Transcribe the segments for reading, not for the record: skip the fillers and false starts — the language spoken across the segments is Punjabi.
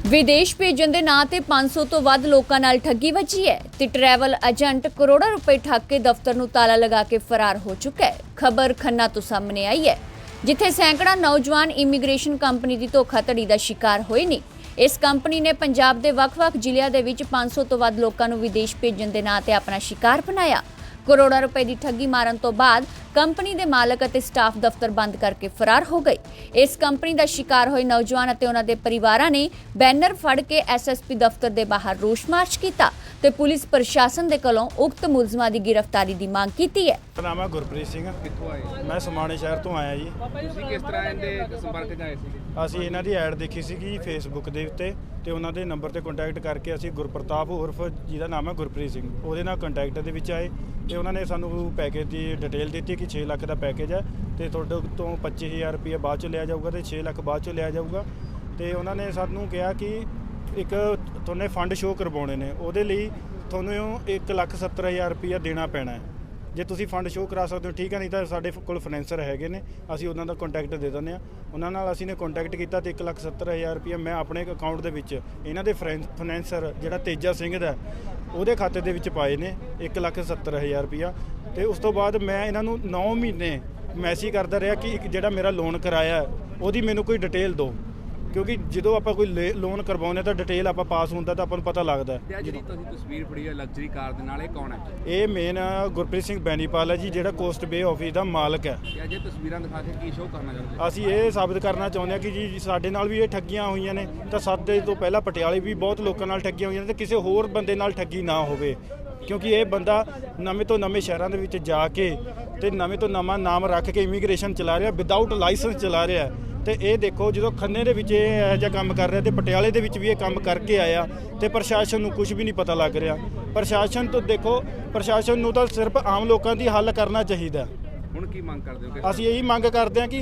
ਵਿਦੇਸ਼ ਭੇਜਣ ਦੇ ਨਾਂ ਤੇ 500 ਤੋਂ ਵੱਧ ਲੋਕਾਂ ਨਾਲ ਠੱਗੀ ਵੱਜੀ ਹੈ ਤੇ ਟਰੈਵਲ ਏਜੰਟ ਕਰੋੜਾਂ ਰੁਪਏ ਠੱਗ ਕੇ ਦਫ਼ਤਰ ਨੂੰ ਤਾਲਾ ਲਗਾ ਕੇ ਫਰਾਰ ਹੋ ਚੁੱਕਾ ਹੈ। ਖਬਰ ਖੰਨਾ ਤੋਂ ਸਾਹਮਣੇ ਆਈ ਹੈ, ਜਿੱਥੇ ਸੈਂਕੜਾ ਨੌਜਵਾਨ ਇਮੀਗ੍ਰੇਸ਼ਨ ਕੰਪਨੀ ਦੀ ਧੋਖਾਧੜੀ ਦਾ ਸ਼ਿਕਾਰ ਹੋਏ ਨੇ। ਇਸ ਕੰਪਨੀ ਨੇ ਪੰਜਾਬ ਦੇ ਵੱਖ-ਵੱਖ ਜ਼ਿਲ੍ਹਿਆਂ ਦੇ ਵਿੱਚ 500 ਤੋਂ ਵੱਧ ਲੋਕਾਂ ਨੂੰ ਵਿਦੇਸ਼ ਭੇਜਣ ਦੇ ਨਾਂ ਤੇ ਆਪਣਾ ਸ਼ਿਕਾਰ ਬਣਾਇਆ। ਕਰੋੜਾਂ ਰੁਪਏ ਦੀ ਠੱਗੀ ਮਾਰਨ ਤੋਂ ਬਾਅਦ ਕੰਪਨੀ ਦੇ ਮਾਲਕ ਅਤੇ ਸਟਾਫ ਦਫ਼ਤਰ ਬੰਦ ਕਰਕੇ ਫਰਾਰ ਹੋ ਗਏ। ਇਸ ਕੰਪਨੀ ਦਾ ਸ਼ਿਕਾਰ ਹੋਏ ਨੌਜਵਾਨ ਅਤੇ ਉਹਨਾਂ ਦੇ ਪਰਿਵਾਰਾਂ ਨੇ ਬੈਨਰ ਫੜ ਕੇ ਐਸਐਸਪੀ ਦਫ਼ਤਰ ਦੇ ਬਾਹਰ ਰੋਸ ਮਾਰਚ ਕੀਤਾ ਤੇ ਪੁਲਿਸ ਪ੍ਰਸ਼ਾਸਨ ਦੇ ਕੋਲੋਂ ਉਕਤ ਮੁਲਜ਼ਮਾਂ ਦੀ ਗ੍ਰਿਫਤਾਰੀ ਦੀ ਮੰਗ ਕੀਤੀ ਹੈ। ਮੇਰਾ ਨਾਮ ਹੈ ਗੁਰਪ੍ਰੀਤ ਸਿੰਘ। ਕਿੱਥੋਂ ਆਏ? ਮੈਂ ਸਮਾਣੇ ਸ਼ਹਿਰ ਤੋਂ ਆਇਆ ਜੀ। ਤੁਸੀਂ ਕਿਸ ਤਰ੍ਹਾਂ ਇਹਦੇ ਸੰਪਰਕ 'ਚ ਆਏ ਸੀ? ਅਸੀਂ ਇਹਨਾਂ ਦੀ ਐਡ ਦੇਖੀ ਸੀਗੀ ਫੇਸਬੁੱਕ ਦੇ ਉੱਤੇ ਤੇ ਉਹਨਾਂ ਦੇ ਨੰਬਰ ਤੇ ਕੰਟੈਕਟ ਕਰਕੇ ਅਸੀਂ ਗੁਰਪ੍ਰਤਾਪ ਉਰਫ ਜਿਹਦਾ ਨਾਮ ਹੈ ਗੁਰਪ੍ਰੀਤ ਸਿੰਘ, ਉਹਦੇ ਨਾਲ ਕੰਟੈਕਟ ਦੇ ਵਿੱਚ ਆਏ ਤੇ ਉਹਨਾਂ ਨੇ ਸਾਨੂੰ ਪੈਕੇਜ ਦੀ ਡਿਟੇਲ ਦਿੱਤੀ ਕਿ 6 ਲੱਖ ਦਾ ਪੈਕੇਜ ਹੈ ਤੇ ਤੁਹਾਡੇ ਤੋਂ 25000 ਰੁਪਏ ਬਾਅਦ 'ਚੋਂ ਲਿਆ ਜਾਊਗਾ ਤੇ 6 ਲੱਖ ਬਾਅਦ 'ਚੋਂ ਲਿਆ ਜਾਊਗਾ। ਤੇ ਉਹਨਾਂ ਨੇ ਸਾਨੂੰ ਕਿਹਾ ਕਿ ਇੱਕ ਤੁਹਾਨੂੰ ਫੰਡ ਸ਼ੋਅ ਕਰਵਾਉਣੇ ਨੇ, ਉਹਦੇ ਲਈ ਤੁਹਾਨੂੰ 1,70,000 ਰੁਪਏ ਦੇਣਾ ਪੈਣਾ ਹੈ। ਜੇ ਤੁਸੀਂ ਫੰਡ ਸ਼ੋਅ ਕਰਾ ਸਕਦੇ ਹੋ ਠੀਕ ਹੈ, ਨਹੀਂ ਤਾਂ ਸਾਡੇ ਕੋਲ ਫਾਈਨੈਂਸਰ ਹੈਗੇ ਨੇ, ਅਸੀਂ ਉਹਨਾਂ ਦਾ ਕੰਟੈਕਟ ਦੇ ਦਿੰਦੇ ਹਾਂ। ਉਹਨਾਂ ਨਾਲ ਅਸੀਂ ਨੇ ਕੰਟੈਕਟ ਕੀਤਾ ਤੇ 1,70,000 ਰੁਪਏ ਮੈਂ ਆਪਣੇ ਅਕਾਊਂਟ ਦੇ ਵਿੱਚ ਇਹਨਾਂ ਦੇ ਫਾਈਨੈਂਸਰ ਜਿਹੜਾ ਤੇਜਾ ਸਿੰਘ ਦਾ ਉਹਦੇ ਖਾਤੇ ਦੇ ਵਿੱਚ ਪਾਏ ਨੇ 1,70,000 ਰੁਪਇਆ। ਤੇ ਉਸ ਤੋਂ ਬਾਅਦ ਮੈਂ ਇਹਨਾਂ ਨੂੰ 9 ਮਹੀਨੇ ਮੈਸੇਜ ਕਰਦਾ ਰਿਹਾ ਕਿ ਜਿਹੜਾ ਮੇਰਾ ਲੋਨ ਕਰਾਇਆ ਉਹਦੀ ਮੈਨੂੰ ਕੋਈ ਡਿਟੇਲ ਦਿਓ, ਕਿਉਂਕਿ ਜਦੋਂ ਆਪਾਂ ਕੋਈ ਲੋਨ ਕਰਵਾਉਂਦੇ ਤਾਂ ਡਿਟੇਲ ਆਪਾਂ ਪਾਸ ਹੁੰਦਾ ਤਾਂ ਆਪਾਂ ਨੂੰ ਪਤਾ ਲੱਗਦਾ। ਜਿਹੜੀ ਤੁਸੀਂ ਤਸਵੀਰ ਫੜੀ ਹੈ ਲਗਜ਼ਰੀ ਕਾਰ ਦੇ ਨਾਲ, ਇਹ ਕੌਣ ਹੈ? ਇਹ ਮੇਨ ਗੁਰਪ੍ਰੀਤ ਸਿੰਘ ਬੈਨੀਪਾਲ ਹੈ ਜੀ, ਜਿਹੜਾ ਕੋਸਟ ਬੇ ਆਫਿਸ ਦਾ ਮਾਲਕ ਹੈ। ਜੇ ਤਸਵੀਰਾਂ ਦਿਖਾ ਕੇ ਕੀ ਸ਼ੋਅ ਕਰਨਾ ਚਾਹੁੰਦੇ? ਅਸੀਂ ਇਹ ਸਾਬਿਤ ਕਰਨਾ ਚਾਹੁੰਦੇ ਹਾਂ ਕਿ ਜੀ ਸਾਡੇ ਨਾਲ ਵੀ ਇਹ ਠੱਗੀਆਂ ਹੋਈਆਂ ਨੇ, ਤਾਂ ਸਾਡੇ ਤੋਂ ਪਹਿਲਾਂ ਪਟਿਆਲੇ ਵੀ ਬਹੁਤ ਲੋਕਾਂ ਨਾਲ ਠੱਗੀਆਂ ਹੋਈਆਂ ਨੇ ਤੇ ਕਿਸੇ ਹੋਰ ਬੰਦੇ ਨਾਲ ਠੱਗੀ ਨਾ ਹੋਵੇ, ਕਿਉਂਕਿ ਇਹ ਬੰਦਾ ਨਵੇਂ ਤੋਂ ਨਵੇਂ ਸ਼ਹਿਰਾਂ ਦੇ ਵਿੱਚ ਜਾ ਕੇ ਤੇ ਨਵੇਂ ਤੋਂ ਨਵਾਂ ਨਾਮ ਰੱਖ ਕੇ ਇਮੀਗ੍ਰੇਸ਼ਨ ਚਲਾ ਰਿਹਾ, ਵਿਦਆਊਟ ਲਾਇਸੈਂਸ ਚਲਾ ਰਿਹਾ। ਤੇ ਇਹ ਦੇਖੋ ਜਦੋਂ ਖੰਨੇ ਦੇ ਵਿੱਚ ਇਹ ਇਹੋ ਜਿਹਾ ਕੰਮ ਕਰ ਰਿਹਾ ਤੇ ਪਟਿਆਲੇ ਦੇ ਵਿੱਚ ਵੀ ਇਹ ਕੰਮ ਕਰਕੇ ਆਇਆ ਤੇ ਪ੍ਰਸ਼ਾਸਨ ਨੂੰ ਕੁਝ ਵੀ ਨਹੀਂ ਪਤਾ ਲੱਗ ਰਿਹਾ। ਪ੍ਰਸ਼ਾਸਨ ਤੋਂ ਦੇਖੋ, ਪ੍ਰਸ਼ਾਸਨ ਨੂੰ ਤਾਂ ਸਿਰਫ ਆਮ ਲੋਕਾਂ ਦੀ ਹੱਲ ਕਰਨਾ ਚਾਹੀਦਾ। ਹੁਣ ਕੀ ਮੰਗ ਕਰਦੇ ਹੋ? ਅਸੀਂ ਇਹੀ ਮੰਗ ਕਰਦੇ ਹਾਂ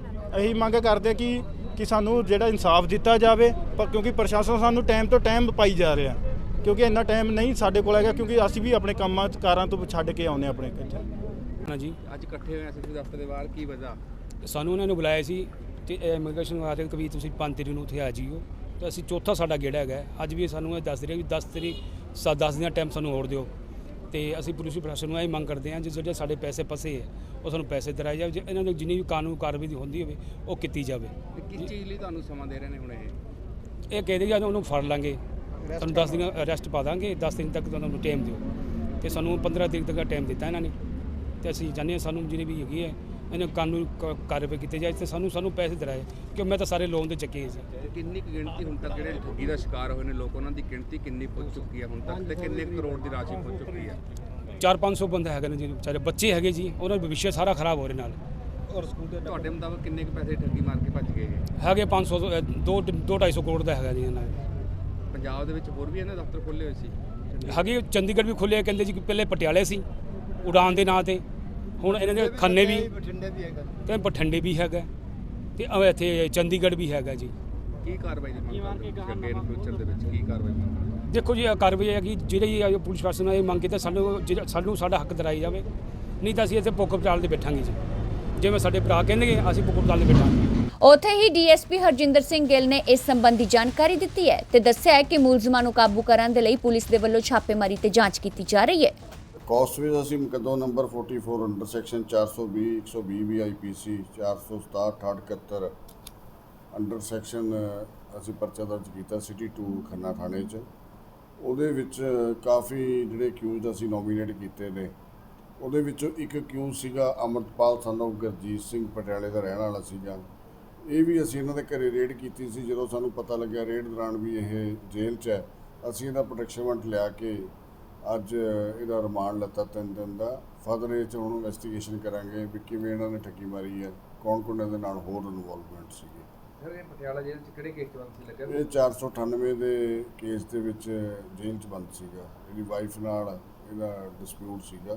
ਕਿ ਸਾਨੂੰ ਜਿਹੜਾ ਇਨਸਾਫ ਦਿੱਤਾ ਜਾਵੇ, ਪਰ ਕਿਉਂਕਿ ਪ੍ਰਸ਼ਾਸਨ ਸਾਨੂੰ ਟਾਈਮ ਤੋਂ ਟਾਈਮ ਪਾਈ ਜਾ ਰਿਹਾ, ਕਿਉਂਕਿ ਇੰਨਾ ਟਾਈਮ ਨਹੀਂ ਸਾਡੇ ਕੋਲ ਹੈਗਾ, ਕਿਉਂਕਿ ਅਸੀਂ ਵੀ ਆਪਣੇ ਕੰਮਾਂ ਕਾਰਾਂ ਤੋਂ ਛੱਡ ਕੇ ਆਉਂਦੇ ਆਪਣੇ ਘਰ। ਜੀ ਅੱਜ ਇਕੱਠੇ ਹੋਏ ਐਸਐਸਪੀ ਦਫ਼ਤਰ ਦੇ ਬਾਹਰ, ਕੀ ਵਜ੍ਹਾ? ਸਾਨੂੰ ਉਹਨਾਂ ਨੇ ਬੁਲਾਇਆ ਸੀ ਤੇ ਇਮੀਗ੍ਰੇਸ਼ਨ ਵਾਲੇ ਕਿ ਵੀ ਤੁਸੀਂ 5 ਤਰੀਕ ਨੂੰ ਉੱਥੇ ਆ ਜਿਓ, ਤੇ ਅਸੀਂ ਚੌਥਾ ਸਾਡਾ ਗੇੜਾ ਹੈਗਾ। ਅੱਜ ਵੀ ਸਾਨੂੰ ਇਹ ਦੱਸ ਰਹੇ ਵੀ 10 ਤਰੀਕ 10 ਦਿਨਾਂ ਟਾਈਮ ਸਾਨੂੰ ਹੋਰ ਦਿਓ। ਤੇ ਅਸੀਂ ਪੁਲਿਸ ਪ੍ਰਸ਼ਾਸਨ ਨੂੰ ਇਹ ਮੰਗ ਕਰਦੇ ਹਾਂ ਜਿਹੜੇ ਸਾਡੇ ਪੈਸੇ ਫਸੇ ਹੈ ਉਹ ਸਾਨੂੰ ਪੈਸੇ ਦਿਲਾਏ ਜਾਵੇ, ਜੇ ਇਹਨਾਂ ਨੂੰ ਜਿੰਨੀ ਵੀ ਕਾਨੂੰਨ ਕਾਰਵਾਈ ਦੀ ਹੁੰਦੀ ਹੋਵੇ ਉਹ ਕੀਤੀ ਜਾਵੇ। ਕਿਸ ਚੀਜ਼ ਲਈ ਤੁਹਾਨੂੰ ਸਮਾਂ ਦੇ ਰਹੇ ਨੇ ਹੁਣ? ਇਹ ਕਹਿੰਦੇ ਜੀ ਉਹਨੂੰ ਫੜ ਲਾਂਗੇ, ਤੁਹਾਨੂੰ 10 ਦਿਨ ਅਰੈਸਟ ਪਾ ਦਾਂਗੇ, 10 ਦਿਨ ਤੱਕ ਤੁਹਾਨੂੰ ਟਾਈਮ ਦਿਓ। ਤੇ ਸਾਨੂੰ 15 ਤਰੀਕ ਤੱਕ ਟਾਈਮ ਦਿੱਤਾ ਇਹਨਾਂ ਨੇ ਤੇ ਅਸੀਂ ਚਾਹੁੰਦੇ ਹਾਂ ਸਾਨੂੰ ਜਿਹੜੀ ਵੀ ਹੈਗੀ ਹੈ ਇਹਨਾਂ ਕਾਨੂੰਨ ਕਾਰਵਾਈ ਕੀਤੀ ਜਾਏ ਤੇ ਸਾਨੂੰ ਪੈਸੇ ਦਿਲਾਏ, ਕਿਉਂ ਮੈਂ ਤਾਂ ਸਾਰੇ ਲੋਨ ਦੇ ਚੱਕੇ ਸੀ। ਕਿੰਨੀ ਕੁ ਗਿਣਤੀ ਹੁਣ ਤੱਕ ਜਿਹੜੇ ਠੱਗੀ ਦਾ ਸ਼ਿਕਾਰ ਹੋਏ ਨੇ ਲੋਕ, ਉਹਨਾਂ ਦੀ ਗਿਣਤੀ ਕਿੰਨੀ ਪਹੁੰਚ ਚੁੱਕੀ ਹੈ ਹੁਣ ਤੱਕ ਤੇ ਕਿੰਨੇ ਕਰੋੜ ਦੀ ਰਾਸ਼ੀ ਪਹੁੰਚ ਚੁੱਕੀ ਹੈ? 400-500 ਬੰਦੇ ਹੈਗੇ ਨੇ ਜੀ, ਵਿਚਾਰੇ ਬੱਚੇ ਹੈਗੇ ਜੀ, ਉਹਨਾਂ ਦਾ ਭਵਿੱਖ ਸਾਰਾ ਖਰਾਬ ਹੋ ਰਿਹਾ ਨਾਲ। ਔਰ ਸਕੂਲ ਦੇ ਤੁਹਾਡੇ ਮੁਤਾਬਕ ਕਿੰਨੇ ਕੁ ਪੈਸੇ ਠੱਗੀ ਮਾਰ ਕੇ ਭੱਜ ਗਏ ਹੈਗੇ? 500 2-250 ਕਰੋੜ ਦਾ ਹੈਗਾ ਜੀ ਇਹਨਾਂ ਦਾ। ਪੰਜਾਬ ਦੇ ਵਿੱਚ ਹੋਰ ਵੀ ਇਹਨਾਂ ਦਫ਼ਤਰ ਖੋਲ੍ਹੇ ਹੋਏ ਸੀ? ਹੈਗੇ ਚੰਡੀਗੜ੍ਹ ਵੀ ਖੁੱਲ੍ਹੇ, ਕਹਿੰਦੇ ਜੀ ਕਿ ਪਹਿਲੇ ਪਟਿਆਲੇ ਸੀ ਉਡਾਨ ਦੇ ਨਾਂ ਤੇ, ਹੁਣ ਇਹਨਾਂ ਦੇ ਖੰਨੇ ਵੀ ਤੇ ਬਠਿੰਡੇ ਵੀ ਹੈਗਾ ਤੇ ਇੱਥੇ ਚੰਡੀਗੜ੍ਹ ਵੀ ਹੈਗਾ ਜੀ। ਕੀ ਕਾਰਵਾਈ ਦੀ ਮੰਗ ਕਰਦੇ ਹੋ ਫਿਊਚਰ ਦੇ ਵਿੱਚ? ਕੀ ਕਾਰਵਾਈ ਮੰਗ? ਦੇਖੋ ਜੀ, ਕਾਰਵਾਈ ਹੈ ਕਿ ਜਿਹੜੀ ਪੁਲਿਸ ਪ੍ਰਸ਼ਾਸਨ ਨੇ ਇਹ ਮੰਗ ਕੀਤੀ ਸਾਨੂੰ ਸਾਡਾ ਹੱਕ ਦਿਲਾਈ ਜਾਵੇ, ਨਹੀਂ ਤਾਂ ਅਸੀਂ ਇੱਥੇ ਭੁੱਖ ਹੜਤਾਲ 'ਤੇ ਬੈਠਾਂਗੇ ਜੀ। ਜਿਵੇਂ ਸਾਡੇ ਭਰਾ ਕਹਿੰਦੇ ਅਸੀਂ ਭੁੱਖ ਹੜਤਾਲ 'ਤੇ ਬੈਠਾਂਗੇ। ਉੱਥੇ ਹੀ ਡੀਐਸਪੀ ਹਰਜਿੰਦਰ ਸਿੰਘ ਗਿੱਲ ਨੇ ਇਸ ਸੰਬੰਧੀ ਜਾਣਕਾਰੀ ਦਿੱਤੀ ਹੈ ਤੇ ਦੱਸਿਆ ਹੈ ਕਿ ਮੁਲਜ਼ਮਾਂ ਨੂੰ ਕਾਬੂ ਕਰਨ ਦੇ ਲਈ ਪੁਲਿਸ ਦੇ ਵੱਲੋਂ ਛਾਪੇਮਾਰੀ ਤੇ ਜਾਂਚ ਕੀਤੀ ਜਾ ਰਹੀ ਹੈ। ਕੋਸਟ ਵਿੱਚ ਅਸੀਂ ਮੁਕੱਦਮਾ ਨੰਬਰ 44 ਅੰਡਰ ਸੈਕਸ਼ਨ 420 120 ਵੀ ਆਈਪੀਸੀ 467 6871 ਅੰਡਰ ਸੈਕਸ਼ਨ ਅਸੀਂ ਪਰਚਾ ਦਰਜ ਕੀਤਾ ਸਿਟੀ 2 ਖੰਨਾ ਥਾਣੇ 'ਚ। ਉਹਦੇ ਵਿੱਚ ਕਾਫੀ ਜਿਹੜੇ ਅਕਿਊਜ਼ਡ ਅਸੀਂ ਨੋਮੀਨੇਟ ਕੀਤੇ ਨੇ, ਉਹਦੇ ਵਿੱਚੋਂ ਇੱਕ ਅਕਿਊਜ਼ ਸੀਗਾ ਅਮਰਪਾਲ ਸਨ ਆਫ ਗੁਰਜੀਤ ਸਿੰਘ, ਪਟਿਆਲੇ ਦਾ ਰਹਿਣ ਵਾਲਾ ਸੀਗਾ। ਇਹ ਵੀ ਅਸੀਂ ਇਹਨਾਂ ਦੇ ਘਰੇ ਰੇਡ ਕੀਤੀ ਸੀ। ਜਦੋਂ ਸਾਨੂੰ ਪਤਾ ਲੱਗਿਆ ਰੇਡ ਦੌਰਾਨ ਵੀ ਇਹ ਜੇਲ੍ਹ 'ਚ ਹੈ, ਅਸੀਂ ਇਹਦਾ ਪ੍ਰੋਟੈਕਸ਼ਨ ਵਾਰੰਟ ਲਿਆ ਕੇ ਅੱਜ ਇਹਦਾ ਰਿਮਾਂਡ ਲੱਤਾ 3 ਦਿਨ ਦਾ। ਫਰਦਰ ਇਹ 'ਚ ਹੁਣ ਇਨਵੈਸਟੀਗੇਸ਼ਨ ਕਰਾਂਗੇ ਵੀ ਕਿਵੇਂ ਇਹਨਾਂ ਨੇ ਠੱਗੀ ਮਾਰੀ ਹੈ, ਕੌਣ ਇਹਦੇ ਨਾਲ ਹੋਰ ਇਨਵੋਲਵਮੈਂਟ ਸੀਗੇ। ਸਰ ਇਹ ਪਟਿਆਲਾ ਜੇਲ੍ਹ 'ਚ ਕਿਹੜੇ ਕੇਸ 'ਚ ਬੰਦ ਸੀ ਲੱਗਿਆ? ਇਹ 498 ਦੇ ਕੇਸ ਦੇ ਵਿੱਚ ਜੇਲ੍ਹ 'ਚ ਬੰਦ ਸੀਗਾ। ਇਹਦੀ ਵਾਈਫ ਨਾਲ ਇਹਦਾ ਡਿਸਪਿਊਟ ਸੀਗਾ।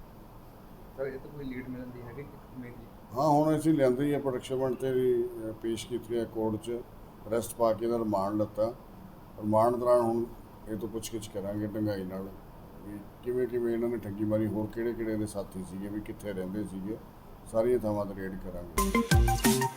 ਸਰ ਇਹ ਤਾਂ ਕੋਈ ਲੀਡ ਮਿਲਣ ਦੀ ਹੈਗੀ ਮੇਰੀ? ਹਾਂ, ਹੁਣ ਅਸੀਂ ਲਿਆਂਦੇ ਹੀ ਆ ਪ੍ਰੋਟੈਕਸ਼ਨ ਵਾਰੰਟ ਤੇ ਵੀ ਪੇਸ਼ ਕੀਤੀ ਹੈ ਕੋਰਟ 'ਚ, ਅਰੈਸਟ ਪਾ ਕੇ ਇਹਦਾ ਰਿਮਾਂਡ ਲੱਤਾ। ਰਿਮਾਂਡ ਦੌਰਾਨ ਹੁਣ ਇਹ ਤੋਂ ਪੁੱਛਗਿੱਛ ਕਰਾਂਗੇ ਢੰਗਾਈ ਨਾਲ ਵੀ ਕਿਵੇਂ ਇਹਨਾਂ ਨੇ ਠੱਗੀ ਮਾਰੀ, ਹੋਰ ਕਿਹੜੇ ਦੇ ਸਾਥੀ ਸੀਗੇ, ਵੀ ਕਿੱਥੇ ਰਹਿੰਦੇ ਸੀਗੇ, ਸਾਰੀਆਂ ਥਾਵਾਂ 'ਤੇ ਰੇਡ ਕਰਾਂਗੇ।